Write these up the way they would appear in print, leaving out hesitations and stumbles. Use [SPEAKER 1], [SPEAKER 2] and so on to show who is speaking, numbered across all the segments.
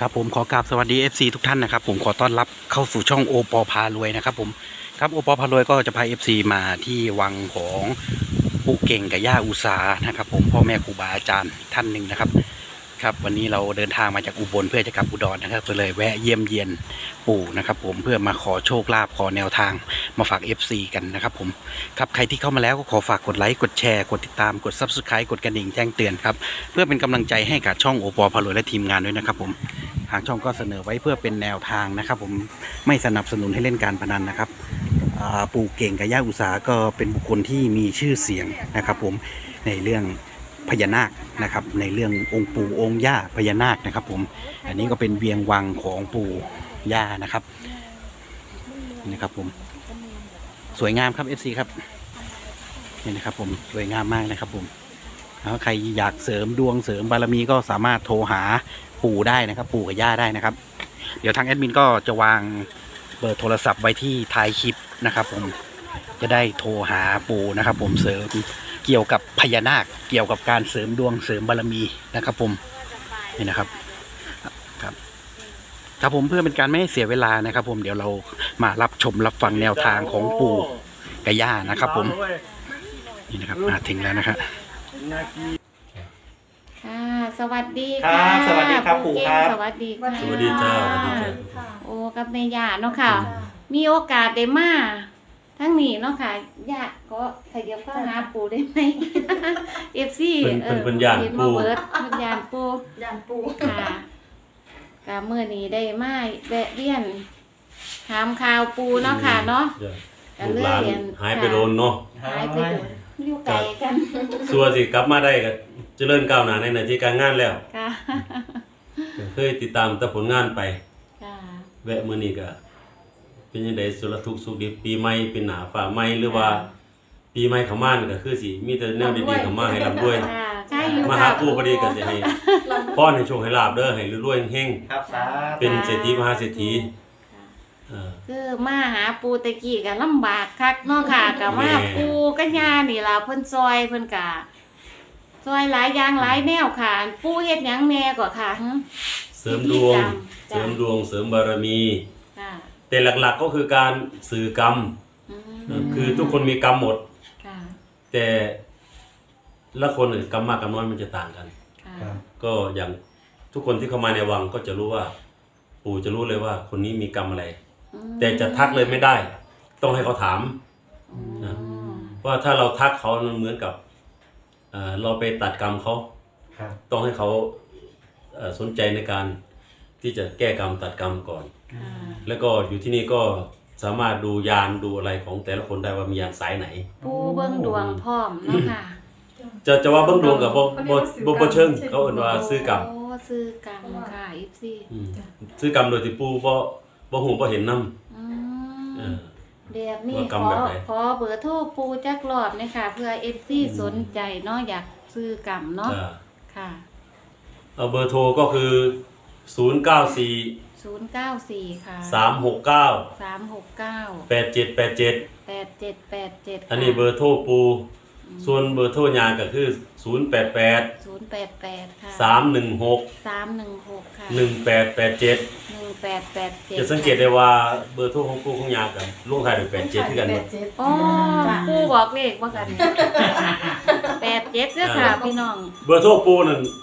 [SPEAKER 1] ครับผมขอกราบสวัสดี FC ทุกท่านนะครับผมขอต้อนรับเข้าสู่ช่องโอปอพารวยนะครับผมครับโอปอพารวยก็จะพา FC มาที่วังของปู่เก่งกับย่าอุสานะครับผมพ่อแม่ครูบาอาจารย์ท่านหนึ่งนะครับครับวันนี้เราเดินทางมาจากอุบลเพื่อจะกลับอุดรนะครับก็เลยแวะเยี่ยมเยียนปู่นะครับผมเพื่อมาขอโชคลาภขอแนวทางมาฝาก FC กันนะครับผมครับใครที่เข้ามาแล้วก็ขอฝากกดไลค์กดแชร์กดติดตามกด Subscribe กดกระดิ่งแจ้งเตือนครับเพื่อเป็นกำลังใจให้กับช่องโอปอพารวยและทีมงานด้วยนะครับผมทางช่องก็เสนอไว้เพื่อเป็นแนวทางนะครับผมไม่สนับสนุนให้เล่นการพนันนะครับปู่เก่งกับย่าอุสาก็เป็นบุคคลที่มีชื่อเสียงนะครับผมในเรื่องพญานาคนะครับในเรื่ององค์ปู่องค์ย่าพญานาคนะครับผมอันนี้ก็เป็นเวียงวังของปู่ย่านะครับนี่นะครับผมสวยงามครับ FC ครับนี่นะครับผมสวยงามมากนะครับผมแล้วใครอยากเสริมดวงเสริมบารมีก็สามารถโทรหาปู่ได้นะครับปู่กับย่าได้นะครับเดี๋ยวทางแอดมินก็จะวางเบอร์โทรศัพท์ไว้ที่ท้ายคลิปนะครับผมจะได้โทรหาปู่นะครับผมเสริมเกี่ยวกับพญานาคเกี่ยวกับการเสริมดวงเสริมบารมีนะครับผมนี่นะครับครับผมเพื่อเป็นการไม่ให้เสียเวลานะครับผมเดี๋ยวเรามารับชมรับฟังแนวทางของปู่กับย่านะครับผมนี่นะครับมาถึงแล้วนะครับ
[SPEAKER 2] ค่ะสวัสดี
[SPEAKER 1] ครั
[SPEAKER 2] ค่ะ
[SPEAKER 1] บสวัสดีครับปู่ครับ
[SPEAKER 2] สวัสดีค่ะ
[SPEAKER 3] สวัสดีจ้าสวัสดีจ้า
[SPEAKER 2] โอ้กับแม่ย่าเนาะค่ะ มีโอกาสได้มาทั้งนี้เนาะค่ะย่าก็ขยับเข้าหาปู่ได้ไหม FC
[SPEAKER 3] เป็นญาติ
[SPEAKER 2] เห็น
[SPEAKER 3] ปู่
[SPEAKER 2] มาเบิดเป็นญาติปู่
[SPEAKER 4] ยานปู
[SPEAKER 2] ค่ะกะมื้อนี้ได้มาแวะเวียนถามข่าวปู่เนาะค่ะเนาะ
[SPEAKER 3] ลูกหลานหายไปโดนเนาะ
[SPEAKER 2] หายไปโดนอยู่ไกลกัน
[SPEAKER 3] สัวสิกลับมาได้ก็เจริญก้าวหน้าในหน้าที่การงานแล้ว
[SPEAKER 2] ค่ะ
[SPEAKER 3] เคยติดตามแต่ผลงานไป
[SPEAKER 2] ค่ะ
[SPEAKER 3] แวะมื้อนี้ก็เป็นจังได๋สุรทุกข์สุขดีปีใหม่เป็นหน้าฟ้าใหม่หรือว่า ปีใหม่เข้ามานี่ก็คือสิมีแต่แนวดีๆเข้ามาให้ร่ำรวย
[SPEAKER 2] ค่ะใช่อยู่
[SPEAKER 3] มา
[SPEAKER 2] ค่ะ
[SPEAKER 3] หาปู่พอดีก็สิให้พรให้โชคให้ลาภเด้อให้รวยๆเฮง
[SPEAKER 1] ครับสา
[SPEAKER 3] ๆเป็นเศรษฐีมหาเศรษฐีเออ
[SPEAKER 2] คือมาหาปูตะกี้ก็ลำบากคักเนาะค่ะก็มา
[SPEAKER 3] แม่
[SPEAKER 2] ปูกัญญานี่ล่ะเพิ่นซอยเพิ่นก็ซอยหลายอย่างหลายแนวค่ะ ปูเฮ็ดหยังแน่ก็ค่ะหึ
[SPEAKER 3] เสริมดวง
[SPEAKER 2] จ้ะ
[SPEAKER 3] เสริมดวงเสริมบารมี
[SPEAKER 2] ค่ะ
[SPEAKER 3] แต่หลักๆก็คือการสื่อกรรม
[SPEAKER 2] อืม
[SPEAKER 3] คือทุกคนมีกรรมหมด
[SPEAKER 2] ค่ะ
[SPEAKER 3] แต่ละคนเนี่ยกรรมมากกรรมน้อยมันจะต่างกัน
[SPEAKER 2] ค่ะ
[SPEAKER 3] ก็อย่างทุกคนที่เข้ามาในวังก็จะรู้ว่า ปู่จะรู้เลยว่าคนนี้มีกรรมอะไร
[SPEAKER 2] อืม
[SPEAKER 3] แต่จะทักเลยไม่ได้ ต้องให้เขาถาม
[SPEAKER 2] อืม
[SPEAKER 3] นะ ว่าถ้าเราทักเขามันเหมือนกับเราไปตัดกรรมเขา
[SPEAKER 1] ครับ
[SPEAKER 3] ต้องให้เขาสนใจในการที่จะแก้กรรมตัดกรรมก่อน
[SPEAKER 2] ค่ะ
[SPEAKER 3] แล้วก็อยู่ที่นี่ก็สามารถดูยานดูอะไรของแต่ละคนได้ว่ามียานสายไหน
[SPEAKER 2] ปูเบิ่งดวงพร้อมเนาะค่ะ
[SPEAKER 3] จะว่าเบิ่งดวงกับบ่เชิงเขาเอิ้นว่าซื้อกรรม
[SPEAKER 2] โอ้ซื้อกรรมค่ะ FC
[SPEAKER 3] ซื้อกรรมโดยที่ปู่บ่ฮู้บ่เห็นนำ
[SPEAKER 2] อืม
[SPEAKER 3] เออ
[SPEAKER 2] แบบนี้
[SPEAKER 3] ว่ากร
[SPEAKER 2] ข
[SPEAKER 3] รม
[SPEAKER 2] อ
[SPEAKER 3] แบบไหน
[SPEAKER 2] ขอเบอร์โทรปูจักรอบนะคะเพื่อ FC สนใจเนาะอยากซื้อกรรมเนาะ
[SPEAKER 3] จ้ะ
[SPEAKER 2] ค่ะ
[SPEAKER 3] เอาเบอร์โทรก็คือ094
[SPEAKER 2] 094 ค่ะ
[SPEAKER 3] 369
[SPEAKER 2] 369
[SPEAKER 3] 8787
[SPEAKER 2] 8787
[SPEAKER 3] อันนี้เบอร์โทรปู่ส่วนเบอร์โทรยาก็คือ088
[SPEAKER 2] 088 ค่ะ
[SPEAKER 3] 316
[SPEAKER 2] 316 ค่ะ
[SPEAKER 3] 1887
[SPEAKER 2] 1887
[SPEAKER 3] จะสังเกตได้ว่าเบอร์โทรของปู่ของยากับลงท้ายด้วย87คือกันหมด
[SPEAKER 2] อ๋อปูบอกเลขว่ากัน87เด้อค่ะพี่น้อง
[SPEAKER 3] เบอร์โทรปู่นั่น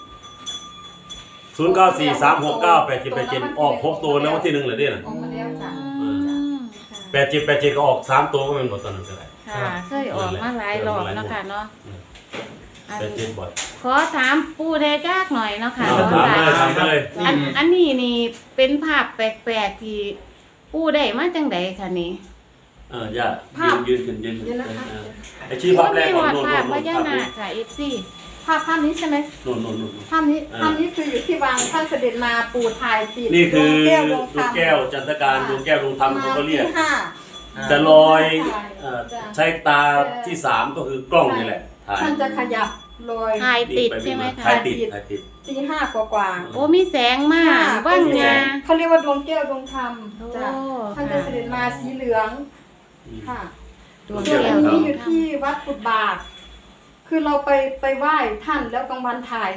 [SPEAKER 3] 094 369 8787ออก6ตัวแล้ววันที่1เหรอเด้น่ะ
[SPEAKER 4] ออกมาแล้วจ้ะ
[SPEAKER 2] อืม
[SPEAKER 3] 8787ก็ออก3ตัวก็เป็นบ่ตอนนั้นก็ได้
[SPEAKER 2] ค่ะเคยออกมาหลายรอบเนาะค่ะเนาะอัน
[SPEAKER 3] 87บ่อย
[SPEAKER 2] ขอถามปู่ได้ยากหน่อยเนาะค่ะ
[SPEAKER 3] ถามเลย
[SPEAKER 2] อันนี้นี่เป็นภาพแปลกๆที่ปู่ได้มาจังใดคะนี่
[SPEAKER 3] อย่ายืนขึ้นยืน
[SPEAKER 4] เดี๋ยวนะคะ
[SPEAKER 3] ไอ้ชี้ภาพแรกก่อน
[SPEAKER 2] โอ้
[SPEAKER 3] โน่น
[SPEAKER 2] ภาพ
[SPEAKER 3] โน่น
[SPEAKER 2] พญานาคค่ะ FC
[SPEAKER 4] ภาพนี้ใช่ไหม
[SPEAKER 3] โน่นโน่นโน่น
[SPEAKER 4] ภาพนี้คืออยู่ที่วังท่านเสด็จมาปูถ่ายติด
[SPEAKER 3] นี่คือ
[SPEAKER 4] ดวงแก้วด
[SPEAKER 3] ด
[SPEAKER 4] วง
[SPEAKER 3] วง
[SPEAKER 4] ธรรม
[SPEAKER 3] แก้วจันทการดวงแก้วดวงธรรมเขาก็เรียก
[SPEAKER 4] ที่ห้า
[SPEAKER 3] จะลอยใช้ตาที่3ก็คือกล้องนี่แหละถ่าย
[SPEAKER 4] ท่านจะขยับลอย
[SPEAKER 2] ถ่ายติดใช่ไหมคะ
[SPEAKER 3] ถ่ายติดถ่ายติด
[SPEAKER 4] ตีห้ากว่า
[SPEAKER 2] โอ้มีแสงมากว่างงา
[SPEAKER 4] เขาเรียกว่าดวงแก้วดวงธรรม
[SPEAKER 2] โอ้
[SPEAKER 4] จ้ะท่านจะเสด็จมาสีเหลืองค่ะ
[SPEAKER 2] ดวง
[SPEAKER 4] ส่วน
[SPEAKER 2] แก้
[SPEAKER 4] อั
[SPEAKER 2] วน
[SPEAKER 4] นี้อยู่ที่วัดกุฎบาก คือเราไปไหว้ท่านแล้วกลางวันถ่ายนะ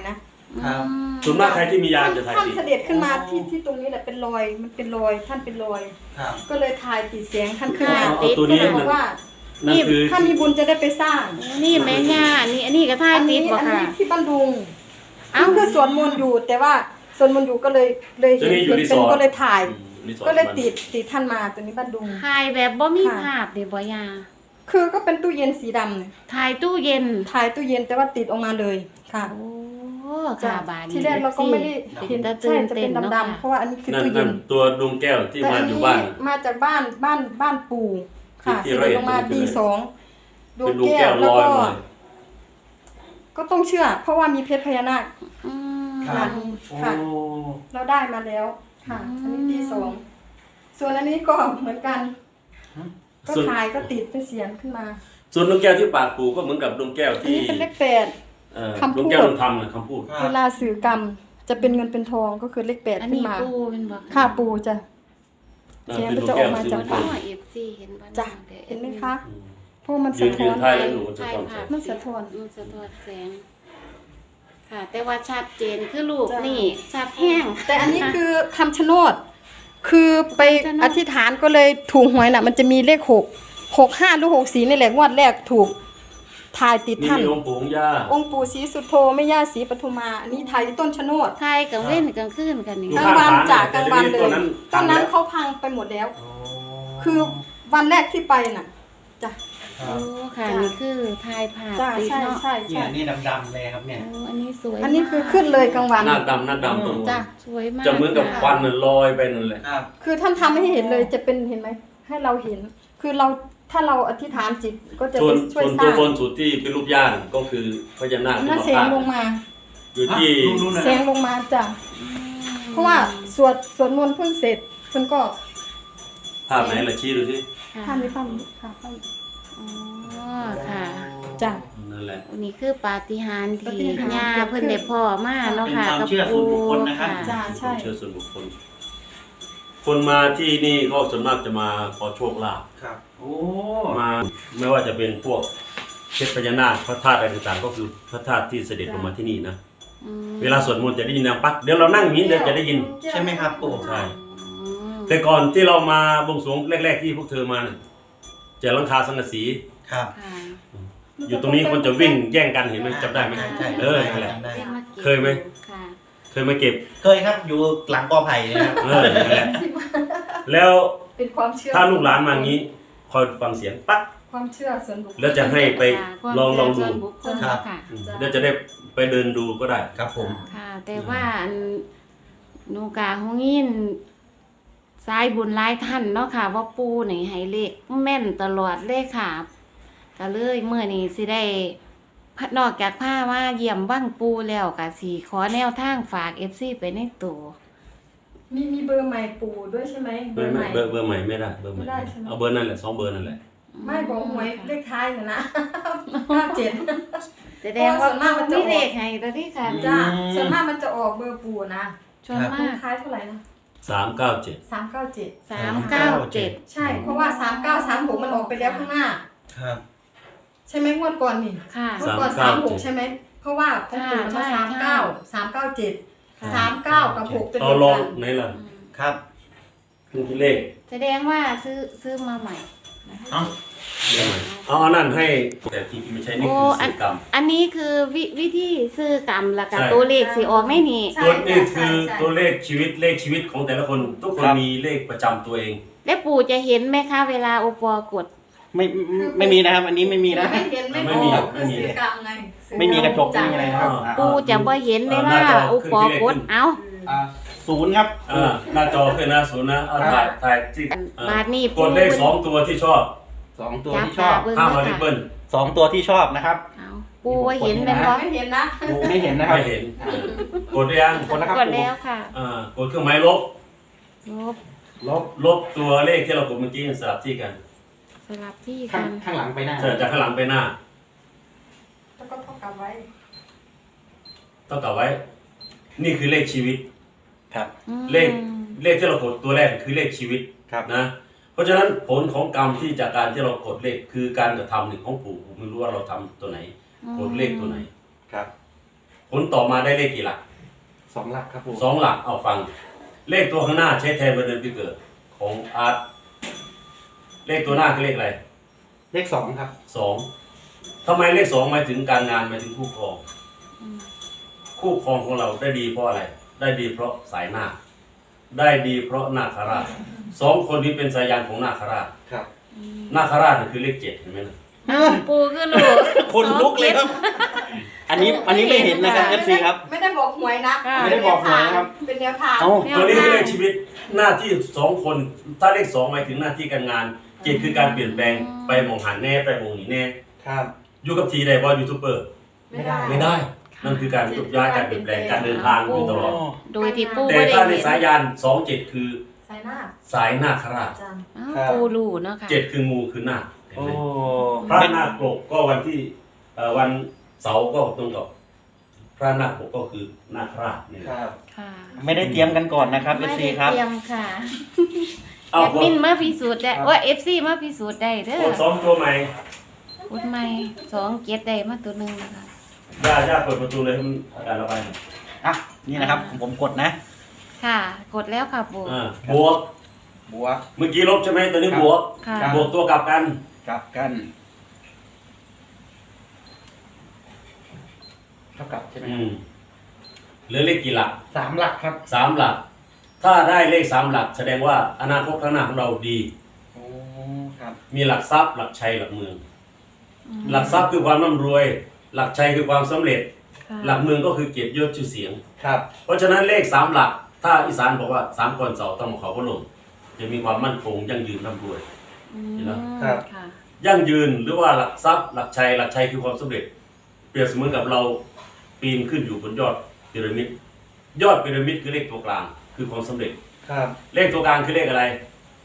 [SPEAKER 1] ครับ
[SPEAKER 3] ส่วนมากใครที่มียานจะถ่าย
[SPEAKER 4] ท่าน
[SPEAKER 3] ติด
[SPEAKER 4] เสด็จขึ้นมาที่ตรงนี้แหละเป็นรอยมันเป็นรอยท่านเป็นรอย
[SPEAKER 1] ครับ
[SPEAKER 4] ก็เลยถ่ายติดเสียงท่านขึ้นมา
[SPEAKER 3] เอาตัวนี้
[SPEAKER 4] ก็เลยบอกว่า
[SPEAKER 3] นั่นคือ
[SPEAKER 4] ถ้ามีบุญจะได้ไปสร้าง
[SPEAKER 2] นี่แม่ย่าอันนี้ก็ท่า
[SPEAKER 4] อัน
[SPEAKER 2] ติ
[SPEAKER 4] นี้
[SPEAKER 2] ดบ่
[SPEAKER 4] อัน
[SPEAKER 2] ค่ะ
[SPEAKER 4] นี้ที่บ้านดุง
[SPEAKER 2] เอ้า
[SPEAKER 4] คือสวนมนต์อยู่แต่ว่าสวนมนต์อยู่ก็เลยเห็นเป็นก็เลยถ่าย
[SPEAKER 3] รีสอร์ท
[SPEAKER 4] ก็เลยติดท่านมาตัวนี้บ้านดุง
[SPEAKER 2] ถ่ายแบบบ่มี
[SPEAKER 4] ค่ะ
[SPEAKER 2] ภาพเด้บ่ย่า
[SPEAKER 4] คือก็เป็นตู้เย็นสีดำเนี่ย
[SPEAKER 2] ถ่ายตู้เย็น
[SPEAKER 4] ถ่ายตู้เย็นแต่ว่าติดออกมาเลยค่ะ
[SPEAKER 2] โอ้
[SPEAKER 4] จ้ะ
[SPEAKER 2] ค่ะบาดนี้
[SPEAKER 4] ที่แรกเราก็ไม่ได้
[SPEAKER 2] เป็
[SPEAKER 4] เห็น
[SPEAKER 2] นตา
[SPEAKER 4] ใช่
[SPEAKER 2] ตื่น
[SPEAKER 4] จะ
[SPEAKER 2] เต้
[SPEAKER 4] เป็น น
[SPEAKER 2] เนาะ
[SPEAKER 4] ดำๆเพราะว่าอันนี้คือ
[SPEAKER 3] นั่น
[SPEAKER 4] ตู้เย็
[SPEAKER 3] นั่
[SPEAKER 4] น
[SPEAKER 3] นตัวดวงแก้วที่
[SPEAKER 4] แต่
[SPEAKER 3] มา
[SPEAKER 4] อัน
[SPEAKER 3] อยู่
[SPEAKER 4] นี้
[SPEAKER 3] บ้าน
[SPEAKER 4] มาจากบ้านปู่ค่ะ
[SPEAKER 3] ที่
[SPEAKER 4] เส
[SPEAKER 3] ร้อย
[SPEAKER 4] ด็จ
[SPEAKER 3] เอ็ด
[SPEAKER 4] ลงมา
[SPEAKER 3] ใช่ไหม
[SPEAKER 4] ตีสองดว
[SPEAKER 3] เป็
[SPEAKER 4] ง
[SPEAKER 3] นดวง
[SPEAKER 4] แก้
[SPEAKER 3] แก้
[SPEAKER 4] ว
[SPEAKER 3] ว
[SPEAKER 4] แล้
[SPEAKER 3] ล
[SPEAKER 4] ว
[SPEAKER 3] อย
[SPEAKER 4] ก็
[SPEAKER 3] มา
[SPEAKER 4] ก็ต้องเชื่อ เพราะว่ามีเพชรพญานาค
[SPEAKER 2] อืม
[SPEAKER 1] ครับ
[SPEAKER 4] ค่ะ
[SPEAKER 1] โอ้
[SPEAKER 4] เราได้มาแล้วค่ะ อันนี้ตีสองส่วนอันนี้ก็เหมือนกัน ก็ถ่ายก็ติดเป็นเสียงขึ้นมา
[SPEAKER 3] ส่วนดวงแก้วที่ปากปู่ก็เหมือนกับดวงแก้ว
[SPEAKER 4] อัน
[SPEAKER 3] ที่
[SPEAKER 4] นี้เป็นเลขแปด คำพู
[SPEAKER 3] ด
[SPEAKER 4] ด
[SPEAKER 3] วงแก้วดวงธรรมนะคำพูด
[SPEAKER 4] เวลาสื่อกรรมจะเป็นเงินเป็นทองก็คือเลขแปด
[SPEAKER 2] อัน
[SPEAKER 4] ขึ้น
[SPEAKER 2] นี้
[SPEAKER 4] มา
[SPEAKER 2] ปูเป็นบ่
[SPEAKER 4] ค่าปูจะ
[SPEAKER 3] อ่า
[SPEAKER 4] เสียง
[SPEAKER 3] เป็น
[SPEAKER 4] มัน
[SPEAKER 3] ดว
[SPEAKER 4] จะ
[SPEAKER 3] ง
[SPEAKER 4] อ
[SPEAKER 3] แก้
[SPEAKER 4] อ
[SPEAKER 3] ว
[SPEAKER 4] กมา
[SPEAKER 3] สี
[SPEAKER 4] จาก
[SPEAKER 3] ม่วง
[SPEAKER 4] ปาก
[SPEAKER 2] เอฟซีเห็นบ่
[SPEAKER 4] จ้ะเห็นไหมคะเพราะมัน
[SPEAKER 3] ยื
[SPEAKER 4] สะ
[SPEAKER 3] น
[SPEAKER 4] ท้อน
[SPEAKER 3] ถ่ายแล้วหนูจะ
[SPEAKER 2] ถ่าย
[SPEAKER 3] ต้อง
[SPEAKER 2] ภาพ
[SPEAKER 4] มันสะท้อน
[SPEAKER 2] มันสะท้อนแสง ค่ะ แต่ว่าชัดเจนคือรูป
[SPEAKER 4] จ้ะ
[SPEAKER 2] นี่ชัดแห้ง
[SPEAKER 4] แต่อันนี้คือคำชะโนด คือไป
[SPEAKER 2] คำชะโนด
[SPEAKER 4] อธิษฐานก็เลยถูกหวยน่ะ มันจะมีเลข6 65หรือ64นี่แหละงวดแรกถูกถ่ายติด
[SPEAKER 3] นี่
[SPEAKER 4] ท่าน
[SPEAKER 3] มีองค์ปู่องค์ย่า
[SPEAKER 4] องค์ปู่ศรีสุโธแม่ย่าศรีปทุมา อันนี้ถ่ายที่ต้นชะโนด
[SPEAKER 2] ถ่ายกลางเว้นกลางคืนกันนี่
[SPEAKER 3] ดู
[SPEAKER 4] กลางวัน
[SPEAKER 3] ภาพ
[SPEAKER 4] จาก
[SPEAKER 3] ฐาน
[SPEAKER 4] กลางวันเล
[SPEAKER 3] แต่
[SPEAKER 4] ย
[SPEAKER 3] ตัวนั้น
[SPEAKER 4] ตอนนั้น
[SPEAKER 3] พังแล้ว
[SPEAKER 4] เขาพังไปหมดแล้ว คือวันแรกที่ไปน่ะจ้ะ
[SPEAKER 1] ครั
[SPEAKER 2] โอ้
[SPEAKER 1] บ
[SPEAKER 2] ค่ะ
[SPEAKER 4] จ้ะ
[SPEAKER 2] นี่คือถ่ายภาพ
[SPEAKER 4] จ้ะ
[SPEAKER 2] ติด
[SPEAKER 4] ใช่
[SPEAKER 2] เนาะ
[SPEAKER 4] ใช่
[SPEAKER 1] เนี่
[SPEAKER 4] ใช่
[SPEAKER 1] ยนี่ดำๆเลยครับเนี่ย
[SPEAKER 2] โอ้อันนี้สวย
[SPEAKER 4] อันนี้คือขึ้นเลยกลางวัน
[SPEAKER 3] หน้าดำตรงนู้น
[SPEAKER 4] จ้ะ
[SPEAKER 2] สวยมาก
[SPEAKER 3] จะเหมือนกับควันน่ะลอยไปนั่นแหละ
[SPEAKER 1] ครับ
[SPEAKER 4] คือท่านทำให้เห็นเลยจะเป็นเห็นไหมให้เราเห็น คือเราถ้าเราอธิษฐานจิตก็จะ
[SPEAKER 3] ส่วน
[SPEAKER 4] ไปช่วย
[SPEAKER 3] ส่วน
[SPEAKER 4] ส
[SPEAKER 3] ตัว
[SPEAKER 4] ร้าง
[SPEAKER 3] บนสุดที่เป็นรูปย่านก็คือพญานาค
[SPEAKER 4] นั่น
[SPEAKER 3] ที่
[SPEAKER 4] เสียง
[SPEAKER 3] มา
[SPEAKER 4] ลงมา
[SPEAKER 3] อยู่ที่
[SPEAKER 1] นู่นๆนะ
[SPEAKER 4] เสียงลงมาจ้ะเพราะว่าสวดมนต์เพิ่งเสร็จเพิ่นก็
[SPEAKER 3] ภาพไหนล่ะชี้ดูสิ
[SPEAKER 2] ค่ะ
[SPEAKER 4] ท่านมีความค่ะท่าน
[SPEAKER 2] อ๋อค่ะ
[SPEAKER 4] จ้ะ
[SPEAKER 3] นั่นแหละ
[SPEAKER 2] อันนี้คือปาฏิหาริย์
[SPEAKER 4] ปาฏิ
[SPEAKER 2] ที่
[SPEAKER 4] หาริย์
[SPEAKER 2] ย่าเพิ่นได้พ่อมาเนาะค่ะ
[SPEAKER 1] เป็นความเชื่อส่วนบุคคลนะครับ
[SPEAKER 4] จ้ะใช่
[SPEAKER 3] เชื่อส่วนบุคคล คนมาที่นี่ก็ส่วนมากจะมาขอโชคลาภ
[SPEAKER 1] ครับ โอ้
[SPEAKER 3] มาไม่ว่าจะเป็นพวกเพชรพญานาคพระธาตุอะไรต่างๆก็คือพระธาตุที่เสด็จลงมาที่นี่นะ
[SPEAKER 2] อืม
[SPEAKER 3] เวลาสวดมนต์จะได้ยินดังปักเดี๋ยวเรานั่งอย่างนี้เดี๋ยวจะได้ยิน
[SPEAKER 1] ใช่ไหมครับปู่
[SPEAKER 3] ใช่
[SPEAKER 2] อืม
[SPEAKER 3] แต่ก่อนที่เรามาบวงสรวงแรกๆที่พวกเธอมาเนี่ยจะหลังคาสังกะสี
[SPEAKER 1] ครับ
[SPEAKER 2] ค่ะ
[SPEAKER 3] อยู่ตรงนี้คนจะวิ่งแย่งกันเห็นไหมจำได้ไหม
[SPEAKER 1] ใช่ใช่
[SPEAKER 3] เออนั่นแหละ
[SPEAKER 1] จำได้
[SPEAKER 2] ได้าก็บ
[SPEAKER 3] เคยไหม
[SPEAKER 2] ค่ะ
[SPEAKER 3] เคยมาเก็บ
[SPEAKER 1] เคยครับอยู่หลังกอไผ่เลยครับ
[SPEAKER 3] เออนั่นแหละแล้ว
[SPEAKER 4] เป็นความเชื่อ
[SPEAKER 3] ถ้าลูกหลานมาอย่างนี้คอยฟังเสียงปั๊ก
[SPEAKER 4] ความเชื่อส่วนบุคคล
[SPEAKER 3] แล้วจะให้ไปลองดู
[SPEAKER 2] ส่วนบุคคล
[SPEAKER 1] ครับ
[SPEAKER 2] ค่ะ
[SPEAKER 3] แล้วจะได้ไปเดินดูก็ได้
[SPEAKER 1] ครับผม
[SPEAKER 2] ค่ะ แต่ว่าอันหนูกาหงยินสายบุญหลายท่านเนาะค่ะ ว่าปูนี่ให้เลขแม่นตลอดเลยค่ะก็เลยเมื่อนี้สิได้นอกจากผ้าว่าเยี่ยมว่างปูแล้วก็สิขอแนวทางฝาก FC ไปในตัว
[SPEAKER 4] มีเบอร์ใหม่ปู่ด้วยใช่ไหมเบอร์ใหม่
[SPEAKER 3] เบอร์ใหม่ไม่ได้เบอร์ใหม่
[SPEAKER 4] ไม่ได้ใช่ไหม
[SPEAKER 3] เอาเบอร์นั่นแหละ2เบอร์นั่นแหละ
[SPEAKER 4] ไม่บอกหวยเลขท้ายน่ะนะ97
[SPEAKER 2] แสดงว่า
[SPEAKER 4] ส่วนมากมันจะ
[SPEAKER 2] มี
[SPEAKER 4] ออก
[SPEAKER 2] เลขให้ตัวที่ค่ะ
[SPEAKER 4] จ้ะส่วนมากมันจะออกเบอร์ปู่นะ
[SPEAKER 2] ชวน
[SPEAKER 4] เล
[SPEAKER 2] มา
[SPEAKER 4] ข
[SPEAKER 2] ก
[SPEAKER 4] ท้ายเท่าไหร่นะ
[SPEAKER 3] 397
[SPEAKER 4] 397
[SPEAKER 2] 397
[SPEAKER 4] ใช่ เพราะว่า3936มันออกไปแล้วข้างหน้า
[SPEAKER 1] ครับ
[SPEAKER 4] ใช่ไหมงวดก่อนนี่
[SPEAKER 2] ค่ะ
[SPEAKER 4] งวดก่อน
[SPEAKER 3] 397
[SPEAKER 4] 36ใช่ไหมเพราะว่าของปู่มัน
[SPEAKER 2] ใช่
[SPEAKER 4] มา
[SPEAKER 2] ใช่
[SPEAKER 4] 39 397
[SPEAKER 2] ค่ะ
[SPEAKER 4] 39กับ6เป็น
[SPEAKER 3] เอา
[SPEAKER 4] เดียว
[SPEAKER 3] ลอง
[SPEAKER 4] กัน
[SPEAKER 3] ไหนล่ะ
[SPEAKER 1] ครับ
[SPEAKER 3] ขึ้นที่เลข
[SPEAKER 2] แสดงว่าซื้อมาใหม่
[SPEAKER 1] เอ้า
[SPEAKER 3] เลขใหม่เอาอันนั้นให้แต่ที่ไม่ใช่นี่คือสื่อกรรม
[SPEAKER 2] อันนี้คือวิธีซื้อกรรมแล้วก็
[SPEAKER 3] ใช่
[SPEAKER 2] ตัวเลขสิออกไม่นี่
[SPEAKER 4] ใช่
[SPEAKER 3] ตัวนี้
[SPEAKER 4] ใช่
[SPEAKER 3] คือ
[SPEAKER 4] ใช่
[SPEAKER 3] ตัวเลขชีวิตของแต่ละคน ทุกคนมีเลขประจำตัวเอง
[SPEAKER 2] แล้วปู่จะเห็นไหมคะเวลาโอปอกด
[SPEAKER 1] ไม่มีนะครับ อันนี้ไม่มีนะ
[SPEAKER 4] ไม่เห็นไม่
[SPEAKER 3] ไม่
[SPEAKER 4] อ
[SPEAKER 3] มี
[SPEAKER 4] อกคือสื่อกรรมไงสื่อ
[SPEAKER 1] ไม่มีกระจกไม่มีอะไรนะครับ
[SPEAKER 2] ปู่จะบ่เห็นเวลาโอปอกดเอ้า
[SPEAKER 1] ศูนย์ครับ
[SPEAKER 3] หน้าจอขึ้นนะศูนย์นะเอาถ่ายที่
[SPEAKER 2] บาทนี้
[SPEAKER 3] กดเลข2ตัวที่ชอบ
[SPEAKER 1] สองตัว
[SPEAKER 2] จับ
[SPEAKER 1] ที่ช
[SPEAKER 2] ตา
[SPEAKER 1] อบ
[SPEAKER 2] เบิ่ง
[SPEAKER 3] ห้าม
[SPEAKER 2] นะ
[SPEAKER 3] เอาริบ
[SPEAKER 2] คะ
[SPEAKER 3] เบิ้ล
[SPEAKER 1] สองตัวที่ชอบนะครับ
[SPEAKER 2] เอาปู่ว่าเห็นไหมคะ
[SPEAKER 4] ไม่เห็นนะ
[SPEAKER 1] ดูไม่เห็นนะครับ
[SPEAKER 3] ไม่เห็นกดหรือยัง
[SPEAKER 1] คนละครับ
[SPEAKER 2] กดแล้วค่ะ
[SPEAKER 3] กดเครื่องหมายลบ
[SPEAKER 2] ลบ
[SPEAKER 3] ลบตัวเลขที่เรากดเมื่อกี้สลับที่กัน
[SPEAKER 2] สลับที่
[SPEAKER 1] ข้า
[SPEAKER 2] กั
[SPEAKER 1] ง
[SPEAKER 2] น
[SPEAKER 1] ข้างหลังไปหน้า
[SPEAKER 3] จากข้างหลังไปหน้า
[SPEAKER 4] แล้วก็เท่ากับไว้
[SPEAKER 3] ต้องกลับไว้ นี่คือเลขชีวิต
[SPEAKER 1] ครับ
[SPEAKER 2] อืม
[SPEAKER 3] เลขที่เรากดตัวแรกคือเลขชีวิต
[SPEAKER 1] ครับ
[SPEAKER 3] นะ เพราะฉะนั้นผลของกรรมที่จากการที่เรากดเลขคือการกระทำหนึ่งของปู่ผมไม่รู้ว่าเราทำตัวไหน กดเลขตัวไหน
[SPEAKER 1] ครับ
[SPEAKER 3] ผผลต่อมาได้เลขกี่หลัก
[SPEAKER 1] 2 หลักครับปู่
[SPEAKER 3] 2 หลักเอาฟัง เลขตัวข้างหน้าใช้แทนวันเดือนปีเกิดของอาร์ตเลขตัวหน้าคือเลขอะไร
[SPEAKER 1] เลข 2 ครับ
[SPEAKER 3] 2ทำไมเลข2หมายถึงการงานหมายถึงคู่ครอง คู่ครองของเราได้ดีเพราะอะไร ได้ดีเพราะสายนาคได้ดีเพราะนาคราช2 คนนี้เป็นสายยานของนาคราช
[SPEAKER 1] ครับ
[SPEAKER 3] นาคราชนั่นคือเลข7เห็นไหมนะ
[SPEAKER 2] ปูคือลูก
[SPEAKER 1] คนลุกเลยครับ อันนี้ไม่เห็นนะครับ FC ครับ
[SPEAKER 4] ไม่ได้บอกหวยนะ
[SPEAKER 2] ค่ะ
[SPEAKER 1] ไม่ได้บอกหวยนะครับ
[SPEAKER 4] เป็นแนวทาง
[SPEAKER 1] เอ้า
[SPEAKER 3] ตัวนี้คือเลขชีวิตหน้าที่2 คน ถ้าเลข2หมายถึงหน้าที่การงาน7คือการเปลี่ยนแปลงไปมองหันแน่ไปมองหนีแน่
[SPEAKER 1] ครับ
[SPEAKER 3] อยู่กับทีได้ว่ายูทูบเบอร์
[SPEAKER 4] ไม่ได้
[SPEAKER 3] ไม่ได้ นั่นคือการจุดย้ายการเปลี่ยนแปลงการเดินทางอยู่ตลอด
[SPEAKER 2] โดยที่ปู
[SPEAKER 3] แต่
[SPEAKER 2] ไม่ได้
[SPEAKER 3] ถ้าใน
[SPEAKER 2] เห็น
[SPEAKER 3] สายยาน 27 คือ
[SPEAKER 4] สายหน้า
[SPEAKER 3] สายนาคราช
[SPEAKER 4] อาจารย์
[SPEAKER 2] อ้าวปูรู้เนาะค่ะ
[SPEAKER 3] 7คืองูคือนาคเห็น
[SPEAKER 1] โอ้
[SPEAKER 3] ไหมพระนาคปกก็วันที่วันเสาร์ก็ตรงกับพระนาคปกก็คือนาคราชนี่แห
[SPEAKER 1] ค
[SPEAKER 3] ละ
[SPEAKER 1] รับ
[SPEAKER 2] ค่ะ
[SPEAKER 1] ไม่ได้เตรียมกันก่อนนะครับ
[SPEAKER 2] ไม่
[SPEAKER 1] FC
[SPEAKER 2] ได้
[SPEAKER 1] ครับ
[SPEAKER 2] เตรียมค่ะ
[SPEAKER 3] เอา
[SPEAKER 2] แอดมินมาพิสูจน์ได้ว่า FC มาพิสูจน์ได้เด้
[SPEAKER 3] ก
[SPEAKER 2] อ
[SPEAKER 3] ดซ้อมตัวใหม่
[SPEAKER 2] พูดใหม่2 7ได้มาตัวหนึงนะคะ
[SPEAKER 3] ย่าเปิดประตูเลยให้มันอากาศระบายหน่อย
[SPEAKER 1] อ่ะ นี่นะครับ ผมกดนะ
[SPEAKER 2] ค่ะ กดแล้วค่ะปู
[SPEAKER 3] บวก
[SPEAKER 1] บวก
[SPEAKER 3] เมื่อกี้ลบใช่ไหมตัวนี้
[SPEAKER 1] ครับ
[SPEAKER 3] บวก
[SPEAKER 2] ค่ะ
[SPEAKER 1] ครับ
[SPEAKER 3] บวกตัวกลับกัน
[SPEAKER 1] กลับกัน เท่ากับใช่ไหม
[SPEAKER 3] เหลือเลขกี่หลัก
[SPEAKER 1] 3 หลักครับ
[SPEAKER 3] 3 หลัก ถ้าได้เลข3 หลัก แสดงว่าอนาคตข้างหน้าของเราดี
[SPEAKER 1] โอ้ ครับ
[SPEAKER 3] มีหลักทรัพย์หลักชัยหลักเมือง หลักทรัพย์คือความร่ำรวย หลักชัยคือความสำเร็จ
[SPEAKER 2] ค่ะ
[SPEAKER 3] หลักเมืองก็คือเกียรติยศชื่อเสียง
[SPEAKER 1] ครับ
[SPEAKER 3] เพราะฉะนั้นเลข3 หลัก ถ้าอีสานบอกว่า3ก่อนเสาต้องมาขอพระลงจะมีความมั่นคงยั่งยืนร่ำรวย
[SPEAKER 2] อืม
[SPEAKER 3] เห็นไหม
[SPEAKER 1] ครับ
[SPEAKER 2] ค่ะ
[SPEAKER 3] ยั่งยืนหรือว่าหลักทรัพย์หลักชัยหลักชัยคือความสำเร็จ เปรียบเสมือนกับเราปีนขึ้นอยู่บนยอดพีระมิดยอดพีระมิดคือเลขตัวกลางคือความสำเร็จ
[SPEAKER 1] ครับ
[SPEAKER 3] เลขตัวกลางคือเลขอะไร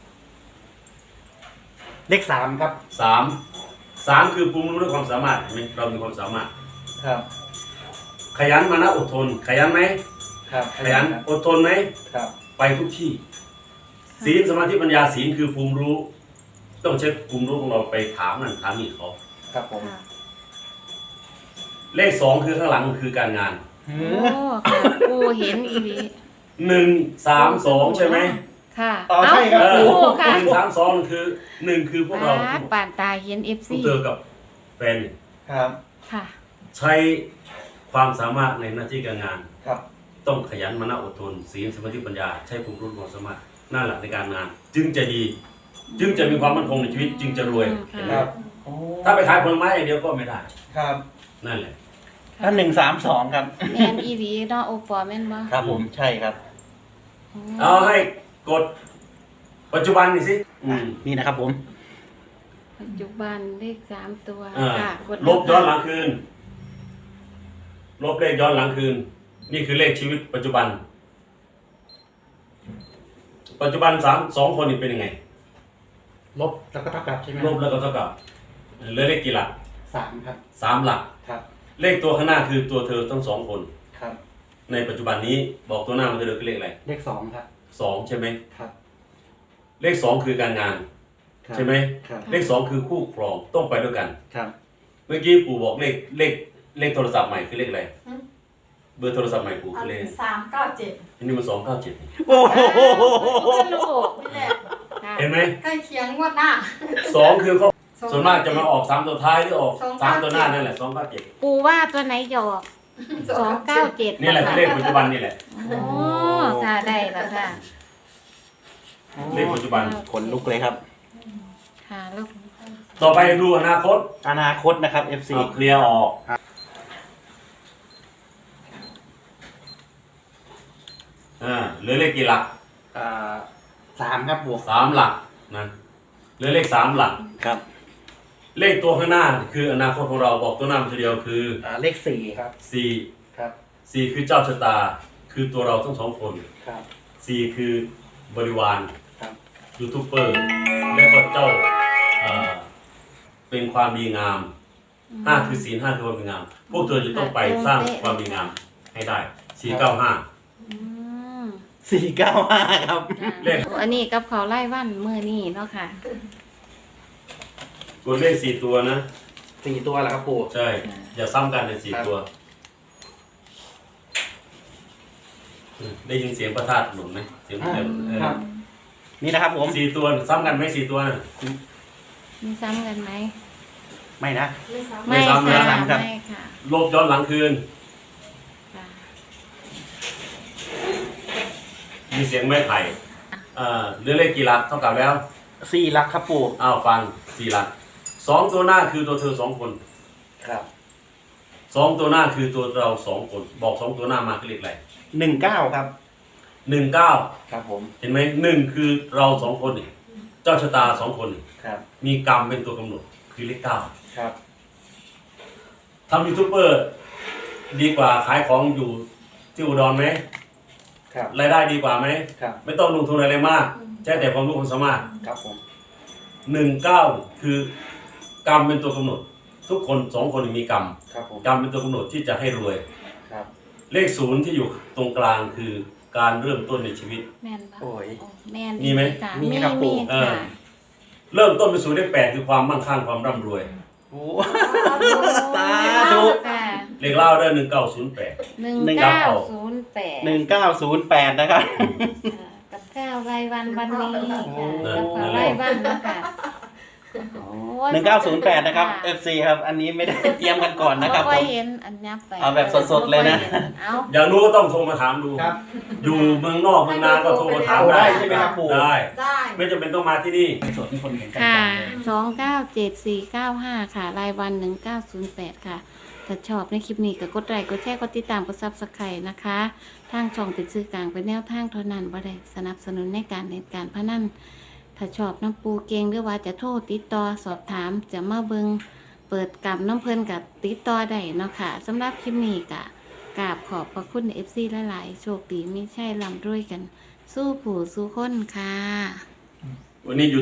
[SPEAKER 1] เลข 3 ครับ
[SPEAKER 3] 3คือภูมิรู้และความสามารถเห็นไหมเรามีความสามารถ
[SPEAKER 1] ครับ
[SPEAKER 3] ขยันมานะอดทน ขยันไหม
[SPEAKER 1] ครับ
[SPEAKER 3] ขยันอดทนไหม
[SPEAKER 1] ครับ
[SPEAKER 3] ไปทุกที่ศีลสมาธิปัญญาศีลคือภูมิรู้ ต้องใช้ภูมิรู้ของเราไปถามนั่นถามนี่เขา
[SPEAKER 1] ครับผม
[SPEAKER 2] ค่ะ
[SPEAKER 3] เลข2คือข้างหลังคือการงาน
[SPEAKER 1] หื
[SPEAKER 2] โอ้
[SPEAKER 1] อ
[SPEAKER 2] ค่ะปูเห็นอีหลี
[SPEAKER 3] 1 3 2ใช่ไหม
[SPEAKER 2] ค่ะ
[SPEAKER 1] อ๋อใช่ครับ
[SPEAKER 2] ปูค่ะ
[SPEAKER 3] 1 3 2คือ1คือพวกเรา
[SPEAKER 2] ปานตาเห็น FC
[SPEAKER 3] ผู้เจอกับแฟนเนี่ย
[SPEAKER 1] ครับ
[SPEAKER 2] ค่ะ
[SPEAKER 3] ใช้ความสามารถในหน้าที่การงาน
[SPEAKER 1] ครับ
[SPEAKER 3] ต้องขยันมานะอดทนศีลสมาธิปัญญาใช้ภูมิรู้ความสามารถหน้าหลักในการงาน จึงจะดี จึงจะมีความมั่นคงในชีวิต จึงจะรวย
[SPEAKER 2] อืม
[SPEAKER 3] เห็นไหม
[SPEAKER 1] ครับ โอ้
[SPEAKER 3] ถ้าไปขายผลไม้อย่างเดียวก็ไม่ได้
[SPEAKER 1] ครับ
[SPEAKER 3] นั่นแหละ
[SPEAKER 1] ถ้า132 ครับ
[SPEAKER 2] แม่นอีหลีเนาะโอปอแม่นบ่
[SPEAKER 1] ครับผม ใช่ครับ
[SPEAKER 3] เอาให้กดปัจจุบันนี่สิ
[SPEAKER 1] นี่นะครับผม
[SPEAKER 2] ปัจจุบันเลข3ตัว
[SPEAKER 3] อ่า
[SPEAKER 2] ค่ะกด
[SPEAKER 3] ลบย้อนหลังคืน ลบเลขย้อนหลังคืน นี่คือเลขชีวิตปัจจุบัน ปัจจุบัน2 คนนี่เป็นยังไง
[SPEAKER 1] ลบแล้วก็เท่ากับใช่ไหม
[SPEAKER 3] ลบแล้วก็เท่ากับเหลือเลขกี่หลัก
[SPEAKER 1] 3 ครับ
[SPEAKER 3] 3 หลัก
[SPEAKER 1] ครับ
[SPEAKER 3] เลขตัวข้างหน้าคือตัวเธอทั้ง2 คน
[SPEAKER 1] ครับ
[SPEAKER 3] ในปัจจุบันนี้บอกตัวหน้ามันเธอคือเลขอะไร
[SPEAKER 1] เลข 2 ครับ
[SPEAKER 3] 2ใช่ไหม
[SPEAKER 1] ครับ
[SPEAKER 3] เลข2คือการงาน
[SPEAKER 1] ครับ
[SPEAKER 3] ใช่ไหม
[SPEAKER 1] ครับ
[SPEAKER 3] เลข2คือคู่ครองต้องไปด้วยกัน
[SPEAKER 1] ครับ
[SPEAKER 3] เมื่อกี้ปู่บอกเลขโทรศัพท์ใหม่คือเลขอะไรเบอร์โทรศัพท์ใหม่ปู่คือเลข
[SPEAKER 4] 397
[SPEAKER 3] อันนี้มัน297
[SPEAKER 1] โอ้โห
[SPEAKER 2] ลูก
[SPEAKER 4] นี่แหละ
[SPEAKER 2] ค่ะ
[SPEAKER 3] เห็นไหม
[SPEAKER 4] ใกล้เคียงงวดหน้า
[SPEAKER 3] 2คือเขาส่วนมากจะมาออก3ตัวท้ายหรือออก3ตัวหน้านั่นแหละ297
[SPEAKER 2] ปูว่าตัวไหนจะออก297
[SPEAKER 3] นี่แหละคือเลขปัจจุบันนี่แหละ
[SPEAKER 2] โอ้ค่ะได้แล้วค่ะ
[SPEAKER 3] เลขปัจจุบัน
[SPEAKER 1] ขนลุกเลยครับ
[SPEAKER 2] ค่ะลูก
[SPEAKER 3] ต่อไปดูอนาคต
[SPEAKER 1] อนาคตนะครับ FC
[SPEAKER 3] เอาเคลียร์ออกเหลือเลขกี่หลัก
[SPEAKER 1] 3 ครับบวก
[SPEAKER 3] 3 หลักนะเหลือเลข3 หลัก
[SPEAKER 1] ครับ
[SPEAKER 3] เลขตัวข้างหน้าคืออนาคตของเราบอกตัวหน้ามันทีเดียวคือ
[SPEAKER 1] เลข 4 ครับ
[SPEAKER 3] 4
[SPEAKER 1] ครับ
[SPEAKER 3] 4คือเจ้าชะตา คือตัวเราทั้ง2 คน
[SPEAKER 1] ครับ
[SPEAKER 3] 4คือบริวาร
[SPEAKER 1] ครับ
[SPEAKER 3] ยูทูบเบอร์และก็เจ้าเป็นความดีงาม 5 คือศีล 5 คือความดีงาม พวกเธอจะต้องไปสร้างความดีงามให้ได้ 495
[SPEAKER 2] อืม
[SPEAKER 1] 495 ครับ
[SPEAKER 3] เลข
[SPEAKER 2] อันนี้กับเขาวไล่วันเมื่อนี้เนาะค่ะ
[SPEAKER 3] กดเลข4 ตัวนะ
[SPEAKER 1] 4 ตัวแล้วครับปู่
[SPEAKER 3] ใช่ อย่าซ้ำกันใน4 ตัวได้ยินเสียงประทัดหนุนไหมเสียงประทัด
[SPEAKER 1] ครับ นี่นะครับผม
[SPEAKER 3] 4 ตัวซ้ำกันไหม4 ตัวน่ะ
[SPEAKER 2] มีซ้ำกันไหม
[SPEAKER 1] ไม่นะ
[SPEAKER 3] ไม่
[SPEAKER 2] ไม่
[SPEAKER 3] ซ้ำนะ
[SPEAKER 2] ค่ะ
[SPEAKER 1] ครับ
[SPEAKER 2] ไม่ค่ะ
[SPEAKER 3] ลบย้อนหลังคืน
[SPEAKER 2] ค่ะ
[SPEAKER 3] มีเสียงไม้ไผ่เรือเลขกี่หลักเท่ากับแล้ว
[SPEAKER 1] 4 หลักครับปู่
[SPEAKER 3] อ้าวฟัง4 หลัก2 ตัวหน้าคือตัวเธอ2 คน
[SPEAKER 1] ครับ
[SPEAKER 3] 2 ตัวหน้าคือตัวเรา2 คนบอก2 ตัวหน้ามาคือเลขอะไร
[SPEAKER 1] 19ครับ
[SPEAKER 3] 19
[SPEAKER 1] ครับผม
[SPEAKER 3] เห็นไหม1คือเรา2 คนนี่เจ้าชะตา2 คนนี่
[SPEAKER 1] ครับ
[SPEAKER 3] มีกรรมเป็นตัวกำหนดคือเลข9
[SPEAKER 1] ครับ
[SPEAKER 3] ทำยูทูบเบอร์ดีกว่าขายของอยู่ที่อุดรไหม
[SPEAKER 1] ครับ
[SPEAKER 3] รายได้ดีกว่าไหม
[SPEAKER 1] ครับ
[SPEAKER 3] ไม่ต้องลงทุนอะไรมากใช้แต่ความรู้ความสามารถ
[SPEAKER 1] ครับผม
[SPEAKER 3] 19คือกรรมเป็นตัวกำหนด ทุกคน2 คนมีกรรม
[SPEAKER 1] ครับผม
[SPEAKER 3] กรรมเป็นตัวกำหนดที่จะให้รวย
[SPEAKER 1] ครับ
[SPEAKER 3] เลข0ที่อยู่ตรงกลางคือการเริ่มต้นในชีวิต
[SPEAKER 2] แม่นปะ
[SPEAKER 1] โอ้ย
[SPEAKER 2] แม่น
[SPEAKER 3] มีไหม
[SPEAKER 2] ค่ะ
[SPEAKER 1] มีครับปู่
[SPEAKER 2] มี
[SPEAKER 3] เออ
[SPEAKER 2] ค่ะ
[SPEAKER 3] เริ่มต้นเป็น0เลข8คือความมั่งคั่งความร่ำรวย
[SPEAKER 1] โอ้
[SPEAKER 2] สา
[SPEAKER 1] สาธุ
[SPEAKER 2] ค่ะ
[SPEAKER 3] เลขเล่าได้1908
[SPEAKER 2] 1908
[SPEAKER 1] 1908นะครับ
[SPEAKER 2] กับข้าวรายวันวันนี้ค่ะ
[SPEAKER 1] โอ้
[SPEAKER 2] กับข้าวรายวันนะคะโอ้ย
[SPEAKER 1] 1908นะครับ FC ครับ อันนี้ไม่ได้เตรียมกันก่อนนะครับ
[SPEAKER 2] บ่
[SPEAKER 1] ผ
[SPEAKER 2] ค่อย
[SPEAKER 1] ม
[SPEAKER 2] เห็นอันยับไป
[SPEAKER 1] เอาแบบสดๆเลยนะ
[SPEAKER 2] เอา
[SPEAKER 3] อยากรู้ก็ต้องโทรมาถามดู
[SPEAKER 1] ครับ
[SPEAKER 3] อยู่เมืองนอกเมืองนาก็โทรมาถาม
[SPEAKER 1] ได้
[SPEAKER 3] ได้
[SPEAKER 1] ใช่ไหมครับปู่
[SPEAKER 3] ได้
[SPEAKER 4] ได้
[SPEAKER 3] ไม่จำเป็นต้องมาที่นี่
[SPEAKER 1] สดที่คนเห็นกัน
[SPEAKER 2] ค่ะ
[SPEAKER 1] จังเลย
[SPEAKER 2] 297495 ค่ะ รายวัน 1908 ค่ะ ถ้าชอบในคลิปนี้ก็กดไลค์กดแชร์กดติดตามกด Subscribe นะคะ ทางช่องเป็นสื่อกลางเป็นแนวทางเท่านั้นบ่ได้สนับสนุนในการเล่นการพนันถ้าชอบน้ำปูเก่งหรือว่าจะโทรติดต่อสอบถามจะมาเบิงเปิดกลับน้ำเพลินกับติดต่อได้เนาะค่ะสำหรับคลิปนี้ก็กราบขอบพระคุณ FC หลายๆโชคดีไม่ใช่ลำรวยกัน สู้ผู้สู้คนค่ะ
[SPEAKER 3] วันนี้อยู่